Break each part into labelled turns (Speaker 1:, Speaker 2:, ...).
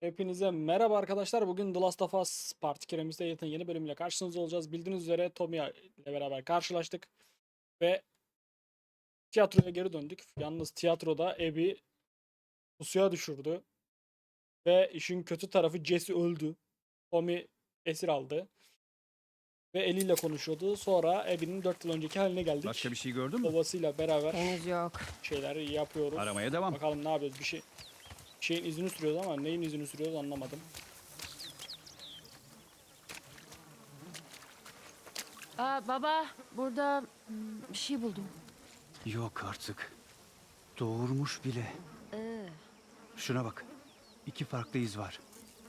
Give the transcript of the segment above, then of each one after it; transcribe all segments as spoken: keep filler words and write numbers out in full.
Speaker 1: Hepinize merhaba arkadaşlar. Bugün The Last of Us Part iki Remastered'ın yeni bölümüyle karşınızda olacağız. Bildiğiniz üzere Tommy ile beraber karşılaştık ve tiyatroya geri döndük. Yalnız tiyatroda Abby pusuya düşürdü ve işin kötü tarafı Jesse öldü. Tommy esir aldı ve eliyle konuşuyordu. Sonra Abby'nin dört yıl önceki haline geldik.
Speaker 2: Başka bir şey gördün mü?
Speaker 1: Babasıyla beraber
Speaker 3: Henüz yok.
Speaker 1: şeyler yapıyoruz.
Speaker 2: Aramaya devam.
Speaker 1: Bakalım ne yapıyoruz. Bir şey bir şeyin izini sürüyoruz ama neyin izini sürüyoruz anlamadım.
Speaker 3: Aa, baba, burada hmm, bir şey buldum.
Speaker 2: Yok artık. Doğurmuş bile.
Speaker 3: Ee,
Speaker 2: Şuna bak. İki farklı iz var.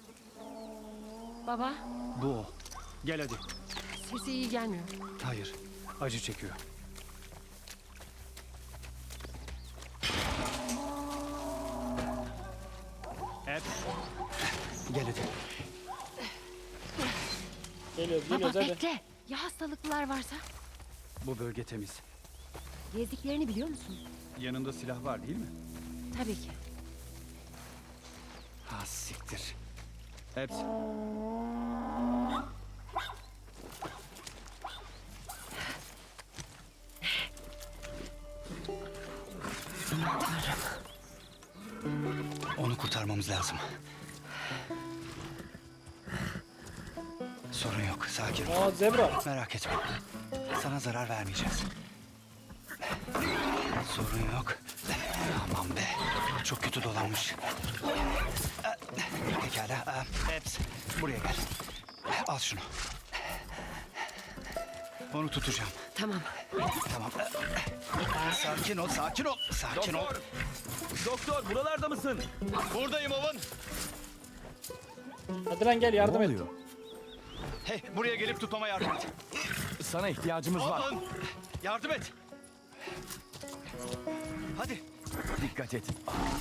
Speaker 3: baba,
Speaker 2: Bu o. Gel hadi.
Speaker 3: sesi iyi gelmiyor.
Speaker 2: Hayır. Acı çekiyor. Hep. Gel hadi.
Speaker 1: Geliyoruz
Speaker 3: Baba
Speaker 1: geliyoruz hadi.
Speaker 3: bekle. Ya hastalıklılar varsa?
Speaker 2: Bu bölge temiz.
Speaker 3: Gezdiklerini biliyor musun?
Speaker 2: Yanında silah var değil mi?
Speaker 3: Tabii ki.
Speaker 2: Ha siktir. Hep. Onu kurtarmamız lazım. Sorun yok, sakin ol.
Speaker 1: Aa zebra.
Speaker 2: Merak etme. Sana zarar vermeyeceğiz. Sorun yok. Aman be. Çok kötü dolanmış. Pekala. Eps. Buraya gel. Al şunu. Onu tutacağım.
Speaker 3: Tamam.
Speaker 2: Tamam. Sakin ol, sakin ol. Sakin ol.
Speaker 4: Doktor buralarda mısın?
Speaker 2: Buradayım Owen.
Speaker 1: Hadi lan gel yardım
Speaker 4: Ne
Speaker 1: et.
Speaker 4: oluyor?
Speaker 2: Hey, buraya gelip tutmama yardım et.
Speaker 4: Sana ihtiyacımız var.
Speaker 2: Owen, yardım et. Hadi.
Speaker 4: Dikkat et.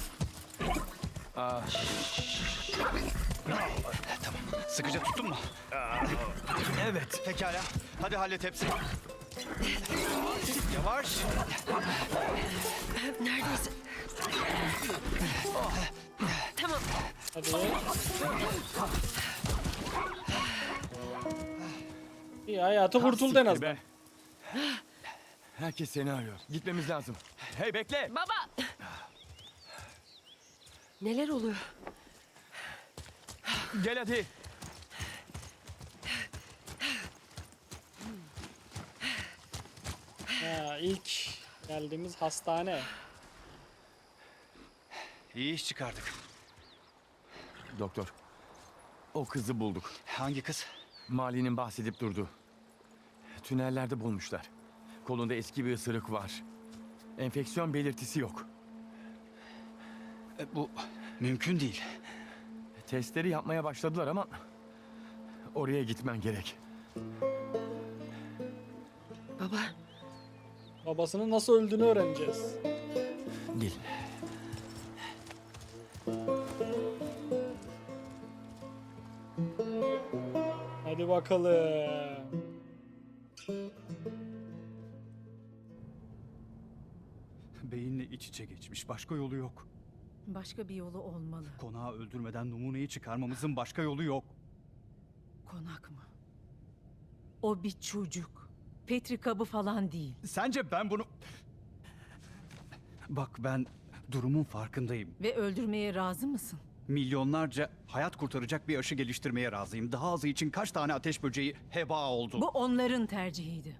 Speaker 2: Tamam. Sıkıca tuttun mu?
Speaker 4: Evet.
Speaker 2: Pekala. Hadi hallet hepsini. Yavaş.
Speaker 3: Neredeyse. Tamam.
Speaker 1: Hadi. İyi hayatı kurtuldu en
Speaker 4: Siktir
Speaker 1: azından.
Speaker 4: be. Herkes seni arıyor. Gitmemiz lazım. Hey bekle.
Speaker 3: Baba. Neler oluyor?
Speaker 4: Gel hadi.
Speaker 1: Ha, ilk geldiğimiz hastane.
Speaker 2: İyi iş çıkardık.
Speaker 4: Doktor. O kızı bulduk.
Speaker 2: Hangi kız?
Speaker 4: Mali'nin bahsedip durdu. Tünellerde bulmuşlar. Kolunda eski bir ısırık var. Enfeksiyon belirtisi yok.
Speaker 2: E, bu mümkün değil.
Speaker 4: Testleri yapmaya başladılar ama oraya gitmen gerek.
Speaker 3: Baba,
Speaker 1: Babasının nasıl öldüğünü öğreneceğiz.
Speaker 4: Gel.
Speaker 1: Hadi bakalım.
Speaker 5: Beyinle iç içe geçmiş. Başka yolu yok.
Speaker 6: Başka bir yolu olmalı.
Speaker 5: Konağı öldürmeden numuneyi çıkarmamızın başka yolu yok.
Speaker 6: Konak mı? O bir çocuk. Petri kabı falan değil.
Speaker 5: Sence ben bunu... Bak ben durumun farkındayım.
Speaker 6: Ve öldürmeye razı mısın?
Speaker 5: Milyonlarca hayat kurtaracak bir aşı geliştirmeye razıyım. Daha azı için kaç tane ateş böceği heba oldu.
Speaker 6: Bu onların tercihiydi.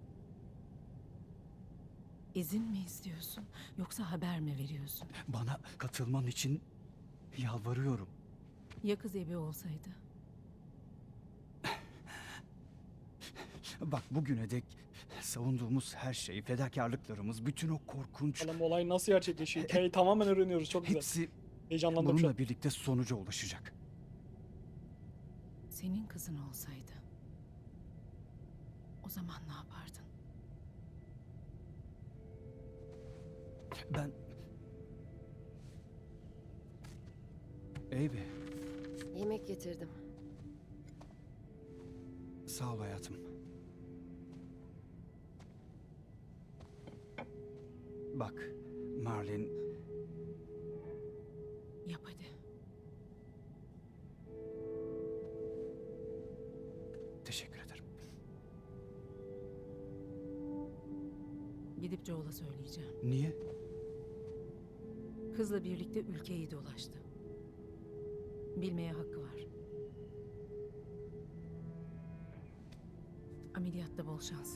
Speaker 6: İzin mi istiyorsun yoksa haber mi veriyorsun?
Speaker 5: Bana katılman için yalvarıyorum.
Speaker 6: Ya kız evi olsaydı?
Speaker 5: Bak bugüne dek savunduğumuz her şey, fedakarlıklarımız, bütün o korkunç...
Speaker 1: Bakalım olay nasıl gerçekleşiyor. Hikayeyi tamamen öğreniyoruz. Çok güzel.
Speaker 5: Hepsi
Speaker 1: Heyecanlandım şu an.
Speaker 5: bununla birlikte sonuca ulaşacak.
Speaker 6: Senin kızın olsaydı. O zaman ne yapardın?
Speaker 5: Ben... Eybi,
Speaker 3: yemek getirdim.
Speaker 5: sağ ol hayatım. Bak, Marlin,
Speaker 6: Yap hadi.
Speaker 5: Teşekkür ederim.
Speaker 6: Gidip Joel'a söyleyeceğim.
Speaker 5: Niye?
Speaker 6: Kızla birlikte ülkeyi dolaştı. Bilmeye hakkı var. Ameliyatta bol şans.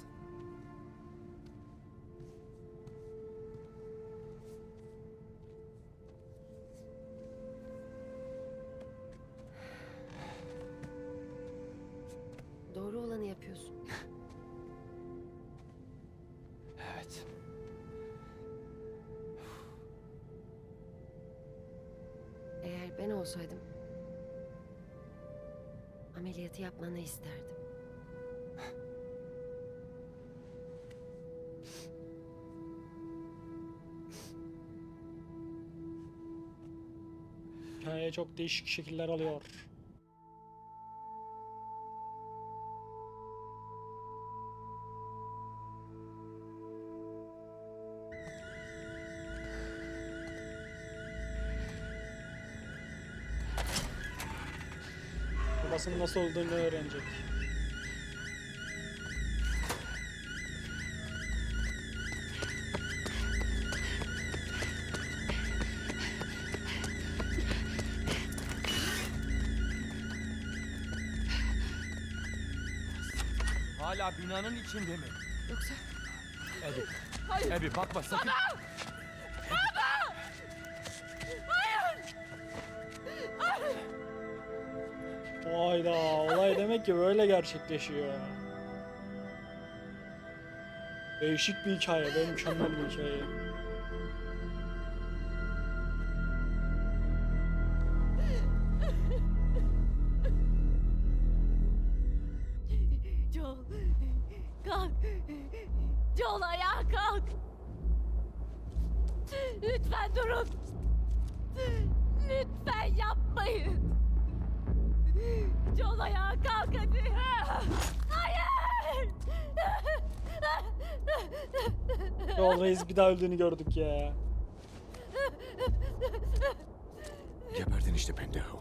Speaker 7: Doğru olanı yapıyorsun.
Speaker 4: Evet.
Speaker 7: Eğer ben olsaydım ameliyatı yapmanı isterdim.
Speaker 1: Hikaye çok değişik şekiller alıyor. Babasının nasıl olduğunu öğrenecek.
Speaker 4: Hala binanın içinde mi?
Speaker 7: Yoksa
Speaker 4: Ebi. Hayır. Ebi bakma sakın.
Speaker 1: Hayda, olay demek ki böyle gerçekleşiyor. Değişik bir hikaye, ve mükemmel bir hikaye.
Speaker 3: Joel, kalk. Joel ayağa kalk. Lütfen durun. Lütfen yapmayın. Joel ayağa kalk hadi. Hayır.
Speaker 1: Yol Reis bir daha öldüğünü gördük ya.
Speaker 8: Geberdin işte pendejo.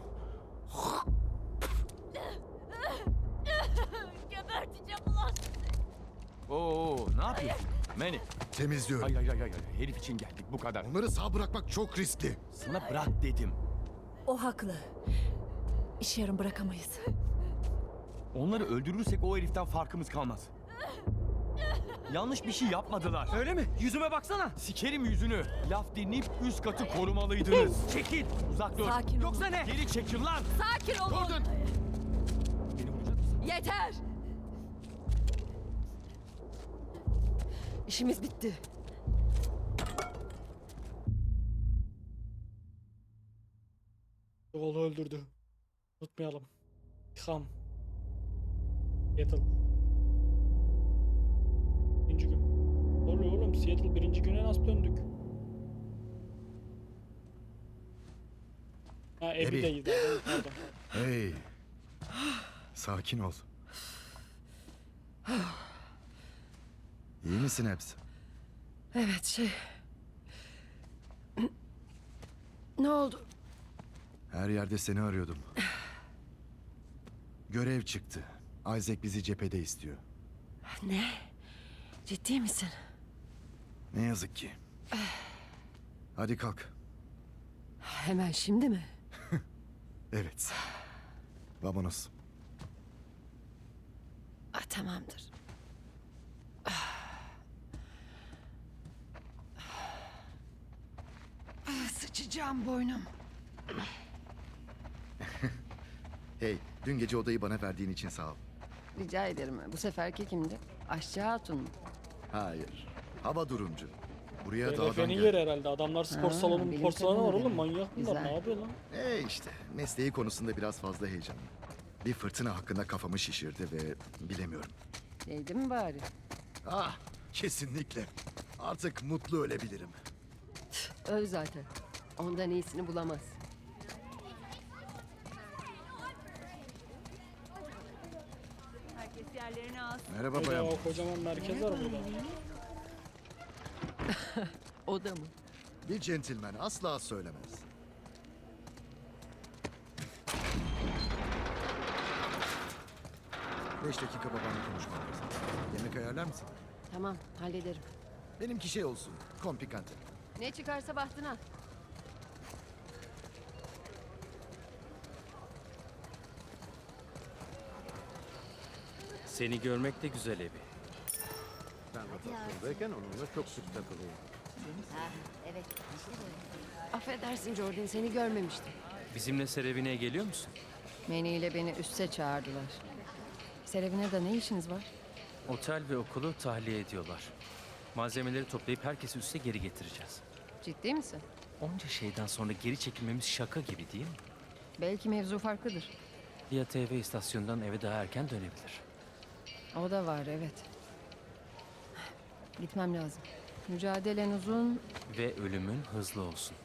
Speaker 3: Geberteceğim ulan sizi.
Speaker 4: Oo, ne yapıyorsun? Manny.
Speaker 8: Temizliyorum.
Speaker 4: Hayır hayır hayır hayır. Herif için geldik bu kadar.
Speaker 8: Onları sağ bırakmak çok riskli.
Speaker 4: Sana bırak dedim.
Speaker 6: O haklı. İş yarım bırakamayız.
Speaker 4: Onları öldürürsek o heriften farkımız kalmaz. Yanlış bir şey yapmadılar.
Speaker 2: Öyle mi? Yüzüme baksana.
Speaker 4: Sikerim yüzünü. Laf dinleyip üst katı korumalıydınız.
Speaker 2: Çekil.
Speaker 4: Uzak dur.
Speaker 6: Sakin ol.
Speaker 2: Yoksa ne?
Speaker 4: Geri çekil lan.
Speaker 3: Sakin olun.
Speaker 4: Gordon. Beni vuracak mısın?
Speaker 3: Yeter.
Speaker 7: işimiz bitti.
Speaker 1: Yol'u öldürdü. Unutmayalım. İlham. Seattle. Birinci gün. Ne oluyor oğlum? Seattle birinci güne nasıl döndük? Ha
Speaker 8: Abby.
Speaker 1: Abby'deyiz abi. Pardon.
Speaker 8: Hey. Sakin ol. İyi misin hepsi?
Speaker 7: Evet şey... Ne oldu?
Speaker 8: Her yerde seni arıyordum. Görev çıktı. Isaac bizi cephede istiyor.
Speaker 7: Ne? Ciddi misin?
Speaker 8: Ne yazık ki. Hadi kalk.
Speaker 7: Hemen şimdi mi?
Speaker 8: Evet. Vamonos.
Speaker 7: Ah, tamamdır. Ah, sıçacağım boynum.
Speaker 8: Hey, dün gece odayı bana verdiğin için sağ ol.
Speaker 7: Rica ederim. Bu seferki kimdi? Aşçı Hatun mu?
Speaker 8: Hayır. Hava durumcu. Buraya dağdan
Speaker 1: Hedefenin
Speaker 8: gel.
Speaker 1: yeri herhalde. Adamlar spor
Speaker 7: Ha,
Speaker 1: salonu,
Speaker 7: bilim
Speaker 1: spor salonu var
Speaker 7: kadını
Speaker 1: oğlum.
Speaker 7: demek.
Speaker 1: Manyak bunlar.
Speaker 7: Güzel.
Speaker 1: Ne yapıyor lan?
Speaker 8: E işte mesleği konusunda biraz fazla heyecanlı. Bir fırtına hakkında kafamı şişirdi ve bilemiyorum.
Speaker 7: Değdi mi bari?
Speaker 8: Ah, kesinlikle. Artık mutlu ölebilirim.
Speaker 7: Öl zaten. Ondan iyisini bulamaz.
Speaker 3: Herkes yerlerini alsın.
Speaker 8: Merhaba
Speaker 1: Koca,
Speaker 8: bayan.
Speaker 1: o kocaman merkez var burada.
Speaker 7: O da mı?
Speaker 8: Bir centilmen asla söylemez. Beş dakika babanla konuşmam lazım. Yemek ayarlar mısın?
Speaker 7: Tamam, hallederim.
Speaker 8: Benimki şey olsun. Komplikante.
Speaker 7: Ne çıkarsa bahtına.
Speaker 9: Seni görmek de güzel Ebi.
Speaker 10: Ben rotasyondayken onunla çok sık takılıyorum.
Speaker 7: Affedersin Jordan, seni görmemiştim.
Speaker 9: Bizimle Serevine'ye geliyor musun?
Speaker 7: Manny ile beni üste çağırdılar. Serevine'de ne işiniz var?
Speaker 9: Otel ve okulu tahliye ediyorlar. Malzemeleri toplayıp herkesi üste geri getireceğiz.
Speaker 7: Ciddi misin?
Speaker 9: Onca şeyden sonra geri çekilmemiz şaka gibi değil mi?
Speaker 7: Belki mevzu farklıdır.
Speaker 9: Ya T V istasyonundan eve daha erken dönebilir.
Speaker 7: O da var, evet. Gitmem lazım. Mücadelen uzun.
Speaker 9: Ve ölümün hızlı olsun.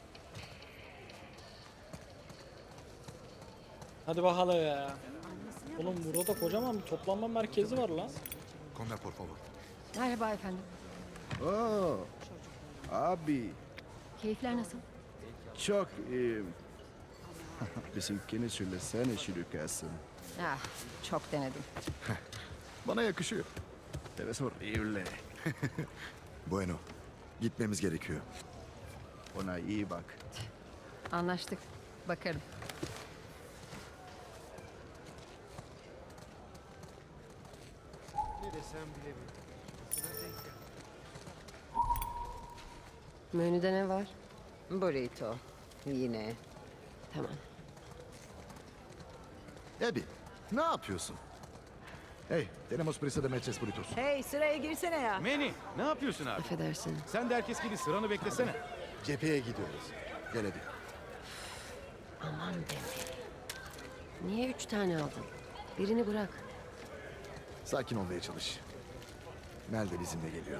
Speaker 1: Hadi bakalım ya. Oğlum burada kocaman bir toplanma merkezi var lan.
Speaker 8: Come por favor.
Speaker 7: Merhaba efendim.
Speaker 10: Oo, abi
Speaker 7: Keyifler nasıl?
Speaker 10: çok iyi. Bizimkini söylesene şirkesin.
Speaker 7: Ah, çok denedim.
Speaker 8: Bana yakışıyor.
Speaker 10: Te ves horrible.
Speaker 8: Bueno. Gitmemiz gerekiyor.
Speaker 10: Ona iyi bak.
Speaker 7: Anlaştık. Bakarım. Menüde ne var?
Speaker 11: Burrito. Yine.
Speaker 7: Tamam.
Speaker 8: Abby, ne yapıyorsun? Hey, tenemos prisa de metres burritos.
Speaker 11: Hey sıraya girsene ya.
Speaker 4: Manny, ne yapıyorsun abi?
Speaker 7: Affedersin.
Speaker 4: Sen de herkes gibi sıranı beklesene.
Speaker 8: Cepheye gidiyoruz. Gel Abby.
Speaker 7: Aman be. Niye üç tane aldın? Birini bırak.
Speaker 8: Sakin olmaya çalış. Mel de bizimle geliyor.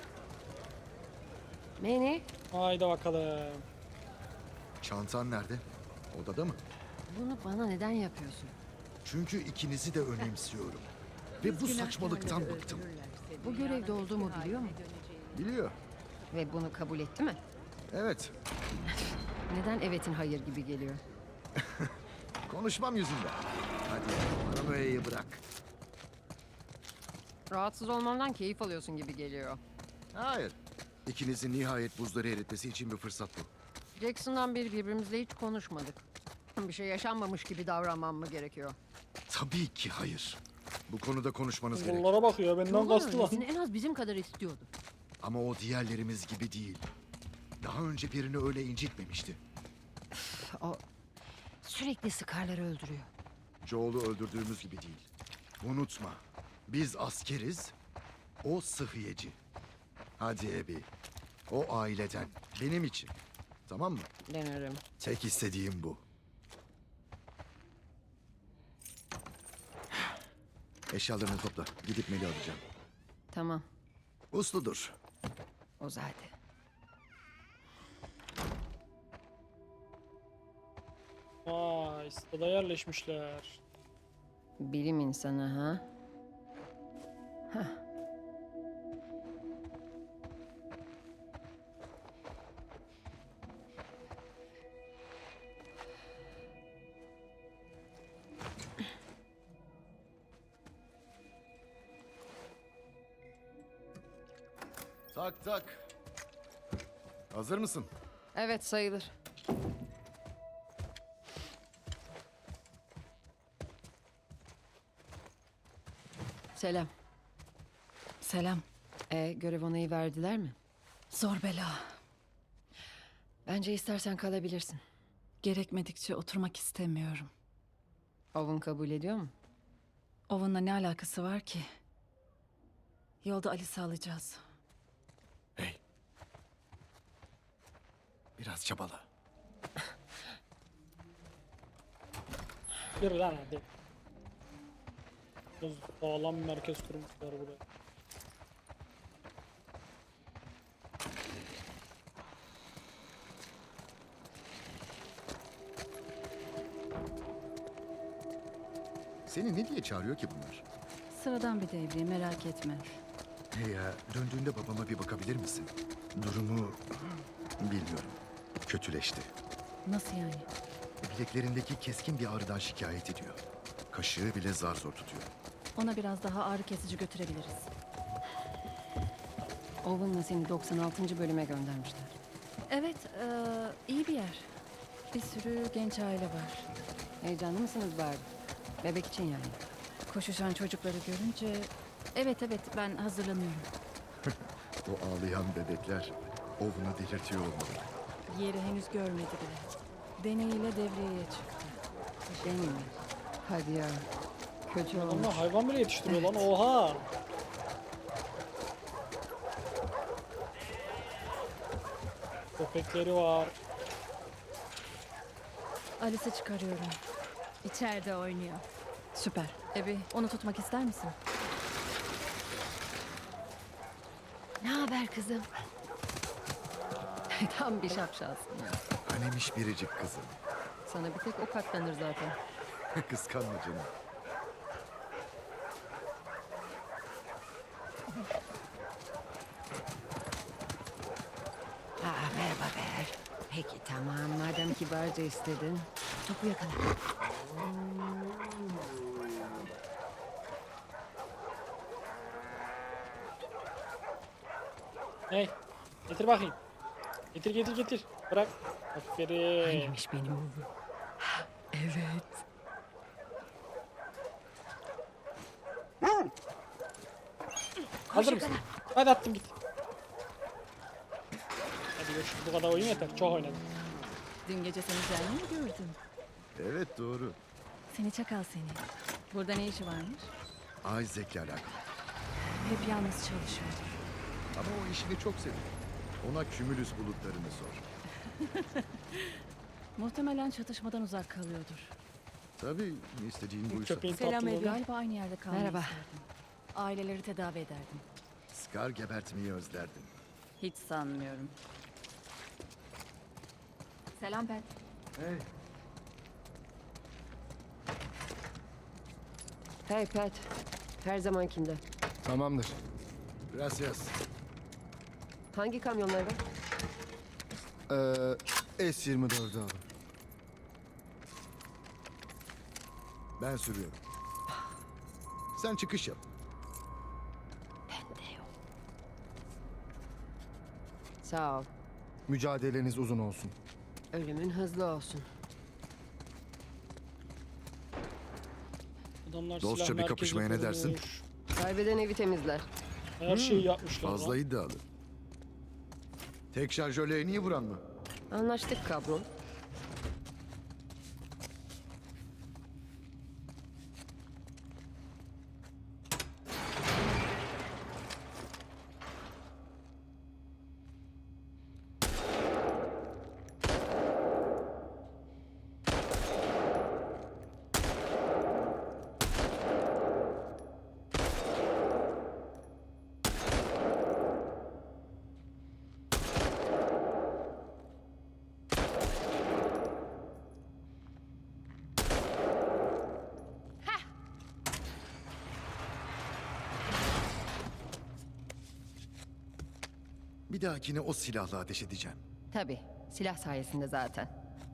Speaker 7: Manny,
Speaker 1: Haydi bakalım.
Speaker 8: Çantan nerede? Odada mı?
Speaker 7: bunu bana neden yapıyorsun?
Speaker 8: Çünkü ikinizi de önemsiyorum. Ve bu saçmalıktan bıktım.
Speaker 7: Bu görevde olduğumu biliyor mu?
Speaker 8: Biliyor.
Speaker 7: Ve bunu kabul etti mi?
Speaker 8: Evet.
Speaker 7: Neden evetin hayır gibi geliyor?
Speaker 8: Konuşmam yüzünden. Hadi paranoyayı bırak.
Speaker 7: Rahatsız olmamdan keyif alıyorsun gibi geliyor.
Speaker 8: Hayır. İkinizin nihayet buzları eritmesi için bir fırsat bu.
Speaker 7: Jackson'dan beri birbirimizle hiç konuşmadık. Bir şey yaşanmamış gibi davranmam mı gerekiyor?
Speaker 8: Tabii ki hayır. Bu konuda konuşmanız gerek.
Speaker 1: Bunlara bakıyor benden
Speaker 7: Yolun
Speaker 1: kastı lan.
Speaker 7: öncesini en az bizim kadar istiyordu.
Speaker 8: Ama o diğerlerimiz gibi değil. Daha önce birini öyle incitmemişti.
Speaker 7: O sürekli Scar'ları öldürüyor.
Speaker 8: Joel'u öldürdüğümüz gibi değil. Unutma. Biz askeriz. O sıhhiyeci. Hadi Abby. O aileden. Benim için. Tamam mı?
Speaker 7: Denerim.
Speaker 8: Tek istediğim bu. Eşyalarını topla. Gidip Mel'i alacağım.
Speaker 7: Tamam.
Speaker 8: Usludur.
Speaker 7: O zaten.
Speaker 1: Vay, stada yerleşmişler.
Speaker 7: Bilim insanı ha? Hah.
Speaker 8: Tak tak. Hazır mısın?
Speaker 7: Evet sayılır. Selam.
Speaker 6: Selam.
Speaker 7: E, görev onayı verdiler mi?
Speaker 6: Zor bela.
Speaker 7: Bence istersen kalabilirsin.
Speaker 6: Gerekmedikçe oturmak istemiyorum.
Speaker 7: Owen kabul ediyor mu?
Speaker 6: Owen'la ne alakası var ki? Yolda Alice'i alacağız.
Speaker 8: Hey. Biraz çabala.
Speaker 1: Yürü lan hadi. Biraz sağlam bir merkez kurmuşlar buraya.
Speaker 8: Seni ne diye çağırıyor ki bunlar?
Speaker 6: Sıradan bir devriye, merak etme.
Speaker 8: Hey ya, döndüğünde babama bir bakabilir misin? Durumu bilmiyorum. Kötüleşti.
Speaker 6: Nasıl yani?
Speaker 8: Bileklerindeki keskin bir ağrıdan şikayet ediyor. Kaşığı bile zar zor tutuyor.
Speaker 3: Ona biraz daha ağrı kesici götürebiliriz.
Speaker 7: Owen'la seni doksan altıncı bölüme göndermişler.
Speaker 3: Evet, eee, iyi bir yer. Bir sürü genç aile var.
Speaker 7: Heyecanlı mısınız Barbie? Bebek için yani.
Speaker 3: Koşuşan çocukları görünce... Evet evet, ben hazırlanıyorum.
Speaker 8: O ağlayan bebekler Owen'ı delirtiyor olmalı.
Speaker 3: Yeri henüz görmedi bile. Deneyiyle devreye çıktı.
Speaker 7: Şey mi? Hadi ya. Kötü olmuş.
Speaker 1: Adamlar hayvan bile yetiştiriyor lan. Oha. Köpekleri var.
Speaker 3: Alice'i çıkarıyorum. İçeride oynuyor. Süper. Ebi, onu tutmak ister misin? Ne haber kızım?
Speaker 7: Tam bir şapşalsın ya.
Speaker 8: Hanemiş biricik kızım.
Speaker 7: Sana bir tek o katlanır zaten.
Speaker 8: Kıskanma canım.
Speaker 7: Aa, merhaba Ber. Peki tamam, madem kibarca istedin. Topu yakala.
Speaker 1: Hey. Getir bakayım. Getir getir getir. Bırak. Aferin.
Speaker 7: Neymiş benim oğlum? Evet.
Speaker 1: Hazır mısın? Hadi attım git. Hadi görüşürüz. Bu kadar oyun yeter. Çok oynadım.
Speaker 3: Dün gece seni canlı mı gördüm?
Speaker 8: Evet doğru.
Speaker 3: Seni çakal seni. Burada ne işi varmış?
Speaker 8: Isaac'le alakalı.
Speaker 3: Hep yalnız çalışıyordur.
Speaker 8: Ama o işini çok seviyor. Ona kümülüs bulutlarını sor.
Speaker 3: Muhtemelen çatışmadan uzak kalıyordur.
Speaker 8: Tabii istediğin buysa.
Speaker 1: Köpeğin
Speaker 3: Selam
Speaker 1: tatlılığı.
Speaker 3: Ebi. Galiba aynı yerde kalmayı
Speaker 7: Merhaba.
Speaker 3: isterdim. Aileleri tedavi ederdim.
Speaker 8: Scar gebertmeyi özlerdim.
Speaker 3: Hiç sanmıyorum. Selam Pet.
Speaker 7: Hey Pat. Her zamankinde.
Speaker 4: Tamamdır.
Speaker 8: Gracias.
Speaker 7: Hangi kamyonlarda?
Speaker 8: Ee, S yirmi dördü alın. Ben sürüyorum. Sen çıkış yap.
Speaker 7: Sağ ol.
Speaker 4: Mücadeleniz uzun olsun.
Speaker 7: Ölümün hızlı olsun.
Speaker 1: Adamlar
Speaker 8: Dostça
Speaker 1: silah
Speaker 8: bir
Speaker 1: merkezi
Speaker 8: kapışmaya ne dersin?
Speaker 1: kurmuş.
Speaker 7: Kaybeden evi temizler.
Speaker 1: Her şeyi yapmışlar.
Speaker 8: Fazla
Speaker 1: lan.
Speaker 8: iddialı. Tek şarjöle en iyi vuran mı?
Speaker 7: Anlaştık kabron.
Speaker 8: Bir dahakine o silahla ateş edeceğim.
Speaker 7: Tabii. Silah sayesinde zaten.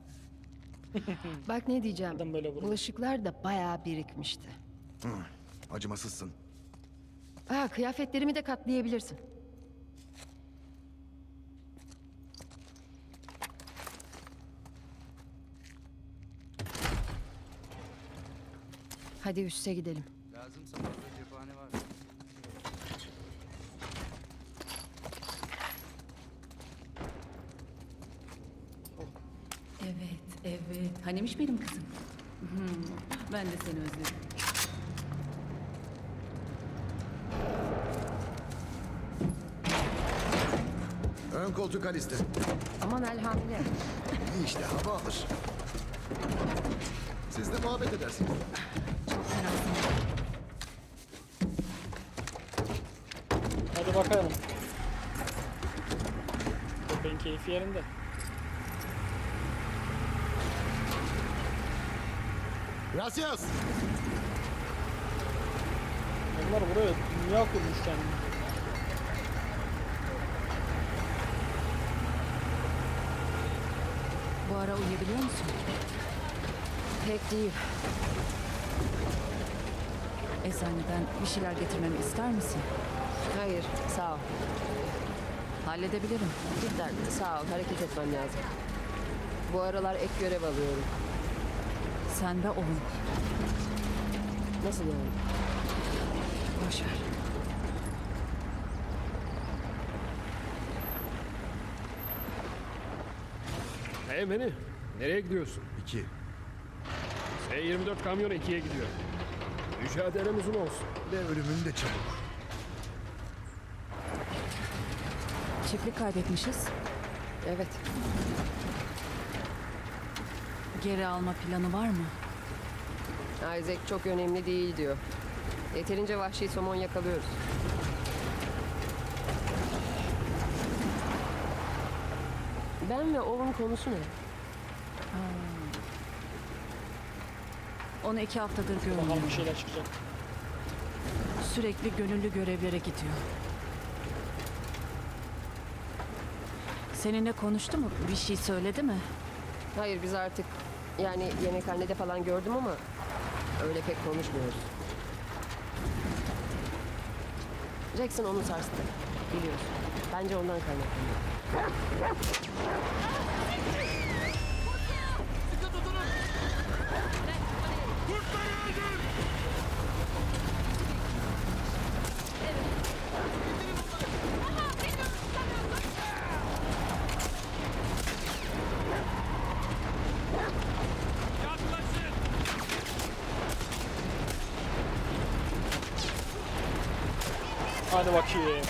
Speaker 7: Bak ne diyeceğim.
Speaker 1: Neden böyle vurdu?
Speaker 7: Bulaşıklar da bayağı birikmişti.
Speaker 8: Acımasızsın.
Speaker 7: Aa, kıyafetlerimi de katlayabilirsin. Hadi üste gidelim.
Speaker 2: Lazımsa fazla cephane var.
Speaker 3: Evet, evet. Hanemiş benim kızım. Hmm, ben de seni özledim.
Speaker 8: Ön koltuk Alice'de.
Speaker 7: Aman elhamdülillah.
Speaker 8: İyi işte hava alır. Siz de muhabbet edersiniz.
Speaker 3: Çok fenasın.
Speaker 1: Hadi bakalım. Köpeğin keyfi yerinde.
Speaker 8: Gracias.
Speaker 1: Onlar buraya dünya kurmuş kendini.
Speaker 3: Bu ara uyuyabiliyor musun?
Speaker 7: Pek değil.
Speaker 3: Eczaneden bir şeyler getirmemi ister misin?
Speaker 11: Hayır, sağ ol.
Speaker 3: Halledebilirim.
Speaker 11: Cidden sağ ol. Hareket etmem lazım. Bu aralar ek görev alıyorum.
Speaker 3: Sen de olun.
Speaker 11: Nasıl yani?
Speaker 3: Boş ver.
Speaker 10: Hey beni. Nereye gidiyorsun?
Speaker 8: İki.
Speaker 10: S yirmi dört kamyonu ikiye gidiyor. Mücadelem uzun olsun.
Speaker 8: Ve ölümün de çabuk.
Speaker 3: Çiftlik kaybetmişiz.
Speaker 11: Evet.
Speaker 3: Geri alma planı var mı?
Speaker 11: Isaac çok önemli değil diyor. Yeterince vahşi somon yakalıyoruz. Ben ve Owen konusu ne?
Speaker 3: Onu iki haftadır
Speaker 1: Bakalım
Speaker 3: görmüyorum.
Speaker 1: bir şeyler çıkacak.
Speaker 3: Sürekli gönüllü görevlere gidiyor. Seninle konuştu mu? Bir şey söyledi mi?
Speaker 11: Hayır biz artık yani yemekhanede falan gördüm ama öyle pek konuşmuyoruz. Jackson onu sarstı. Biliyorsun. Bence ondan kaynaklanıyor.
Speaker 1: Hadi bakayım.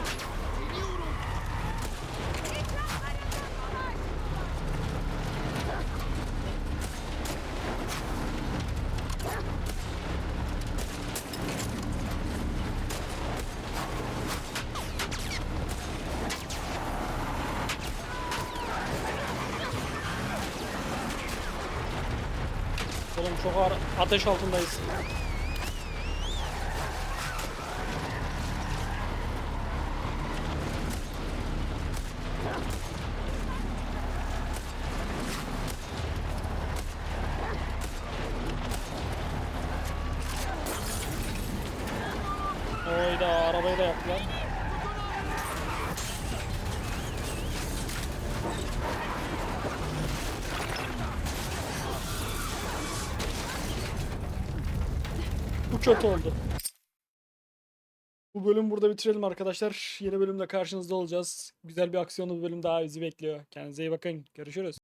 Speaker 1: Oğlum çok ağır ateş altındayız. Oyda arabayı da yaptılar. Bu kötü oldu. Bu bölüm burada bitirelim arkadaşlar. Yeni bölümde karşınızda olacağız. Güzel bir aksiyonlu bir bölüm daha bizi bekliyor. Kendinize iyi bakın. Görüşürüz.